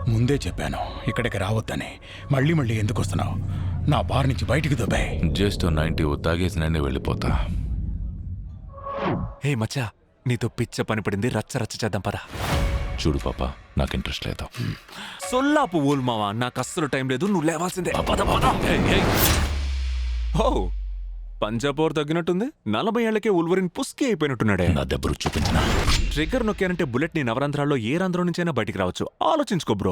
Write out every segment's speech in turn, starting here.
ముందే చెప్పాను ఇక్కడికి రావద్దని. మళ్ళీ మళ్ళీ ఎందుకు వస్తున్నావు? నా బార్ నుంచి బయటికి దొబ్బాయి. జస్ట్ 90 తాగేసి నేనే వెళ్ళిపోతా. హే మచ్చా, నీతో పిచ్చ పని పడింది, రచ్చ రచ్చ చేద్దాం పదా. చూడు పాప, నాకు ఇంట్రెస్ట్ లేదు. సొల్లాపు ఊల్ మావా, నాకు అస్సలు టైం లేదు, నువ్వు లేవాల్సిందే. ఓ పంజాబోర్ తగ్గినట్టుంది. 40 ఏళ్లకే ఉల్వరిన్ పుస్కి అయిపోయినట్టున్నాడే. నా దెబ్బరు చూపించిన ట్రిగ్గర్ నొక్కానంటే బుల్లెట్ నీ నవరంధ్రాల్లో ఏ రంధ్రం నుంచైనా బయటికి రావచ్చు. ఆలోచించుకో బ్రో.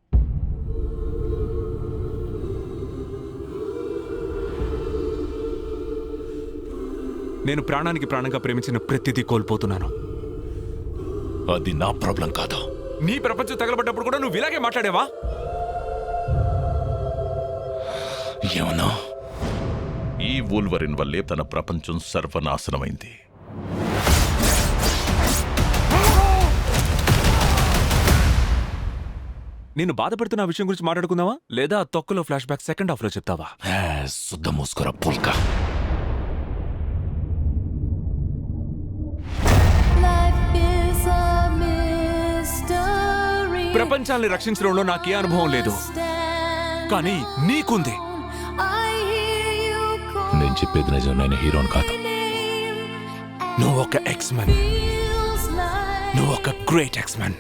నేను ప్రాణానికి ప్రాణంగా ప్రేమించిన ప్రతిదీ కోల్పోతున్నాను. అది నా ప్రాబ్లం కాదు. నీ ప్రపంచం తగలబడ్డప్పుడు కూడా నువ్వు ఇలాగే మాట్లాడేవా? ఏమన్నా? ఈ వూల్వరిన్ వల్లే తన ప్రపంచం సర్వనాశనమైంది. నేను బాధపడుతున్న విషయం గురించి మాట్లాడుకుందావా, లేదా తొక్కలో ఫ్లాష్ బ్యాక్ సెకండ్ హాఫ్ లో చెప్తావా? శుద్ధ మూసుకురా పుల్కా. ప్రపంచాన్ని రక్షించడంలో నాకే అనుభవం లేదు, కానీ నీకుంది. నేను చెప్పేది నిజం. నేను హీరోని కాదు. నువ్వు ఒక ఎక్స్మెన్. నువ్వు ఒక గ్రేట్ ఎక్స్మెన్.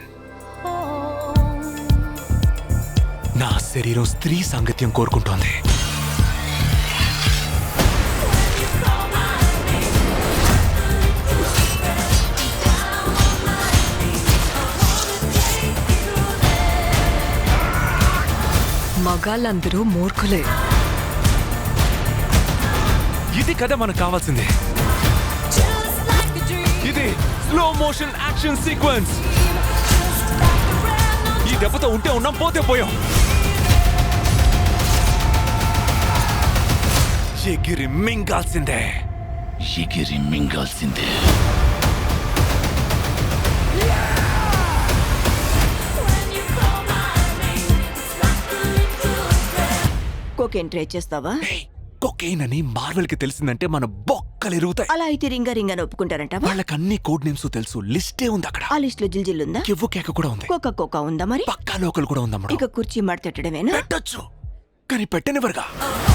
నా శరీరం స్త్రీ సాంగత్యం కోరుకుంటోంది. మగాళ్ళందరూ మూర్ఖులే. ఇది కదా మనకు కావాల్సింది. ఇది స్లో మోషన్ యాక్షన్ సీక్వెన్స్. ఈ దెబ్బతో ఉంటే ఉన్నాం, పోతే పోయాం. ఎగిరి మింగాల్సిందే. ఎగిరి మింగాల్సిందే. కోకేన్ ట్రై చేస్తావా? కొకైన్ అని మార్వెల్ కి తెలిసిందంటే మన బొక్కలు ఎరుగుతాయి. అలా అయితే రింగా రింగా ఒప్పుకుంటారంటావా? వాళ్ళకి అన్ని కోడ్ నేమ్స్ తెలుసు. లిస్టే ఉంది అక్కడ. ఆ లిస్ట్ లో జిల్జిల్ ఉందా? కివ్వు కేక కూడా ఉంది. కోకా కోకా ఉందా? మరి పక్కా లోకల్ కూడా ఉందమ్మా. ఇక కుర్చీ మడతెట్టడమేనా? పెట్టొచ్చు, కానీ పెట్టనివ్వరుగా.